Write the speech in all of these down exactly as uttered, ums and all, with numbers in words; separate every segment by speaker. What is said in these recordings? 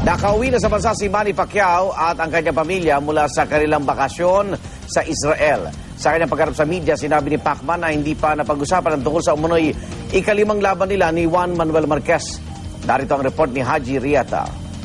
Speaker 1: Nakauwi na sa bansa si Manny Pacquiao at ang kanyang pamilya mula sa kanilang bakasyon sa Israel. Sa kanyang pagharap sa media, sinabi ni Pacman na hindi pa napag-usapan ang tungkol sa umunoy ikalimang laban nila ni Juan Manuel Marquez. Narito ang report ni Haji Riata.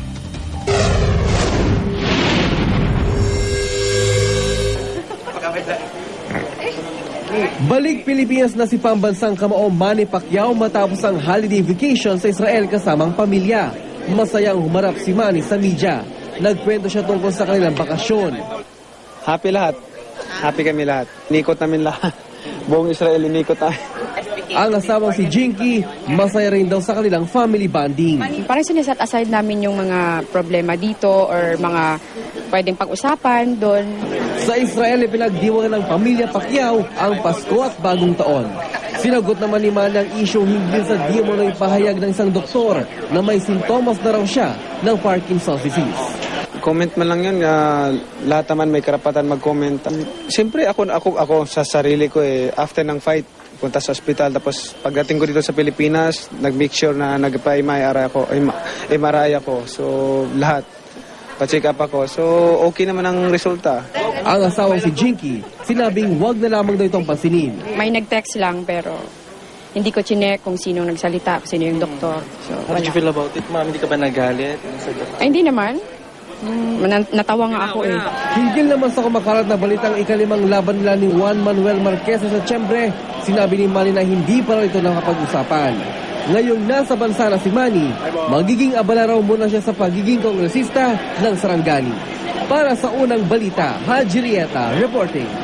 Speaker 2: Balik Pilipinas na si pambansang kamao Manny Pacquiao matapos ang holiday vacation sa Israel kasamang pamilya. Masayang humarap si Manny sa media. Nagkwento siya tungkol sa kanilang bakasyon.
Speaker 3: Happy lahat. Happy kami lahat. Inikot namin lahat. Buong Israel inikot namin.
Speaker 2: Ang asawang si Jinky, masaya rin daw sa kanilang family bonding.
Speaker 4: Parang siniset aside namin yung mga problema dito or mga pwedeng pag-usapan doon.
Speaker 2: Sa Israel, ipinagdiwang ng pamilya Pacquiao ang Pasko at Bagong Taon. Sinagot naman ni Manny ang issue hinggil sa di mo na ipahayag ng isang doktor na may sintomas na raw siya ng Parkinson's disease.
Speaker 3: Comment man lang yun. Uh, lahat naman may karapatan mag-comment. Siyempre ako, ako, ako sa sarili ko eh, after ng fight, punta sa ospital. Tapos pagdating ko dito sa Pilipinas, nag-make sure na nagpa-M R I ako. M R I ako. So lahat. Pa-check up ako. So okay naman ang resulta.
Speaker 2: Ang asawang si Jinky, sinabing wag na lamang daw itong pansinin.
Speaker 4: May nag-text lang pero hindi ko chinek kung sino nagsalita, kung sino yung doktor. So,
Speaker 5: How did you feel about it, ma'am? Hindi ka ba nagalit?
Speaker 4: Ay, hindi naman. Hmm, natawa nga ako eh.
Speaker 2: Hinggil naman sa kumakalat na balitang ikalimang laban nila ni Juan Manuel Marquez sa Setyembre, sinabi ni Manny na hindi pa raw ito nakapag-usapan. Ngayong nasa bansa na si Manny, magiging abala raw muna siya sa pagiging kongresista ng Sarangani. Para sa unang balita, Haji Rieta reporting.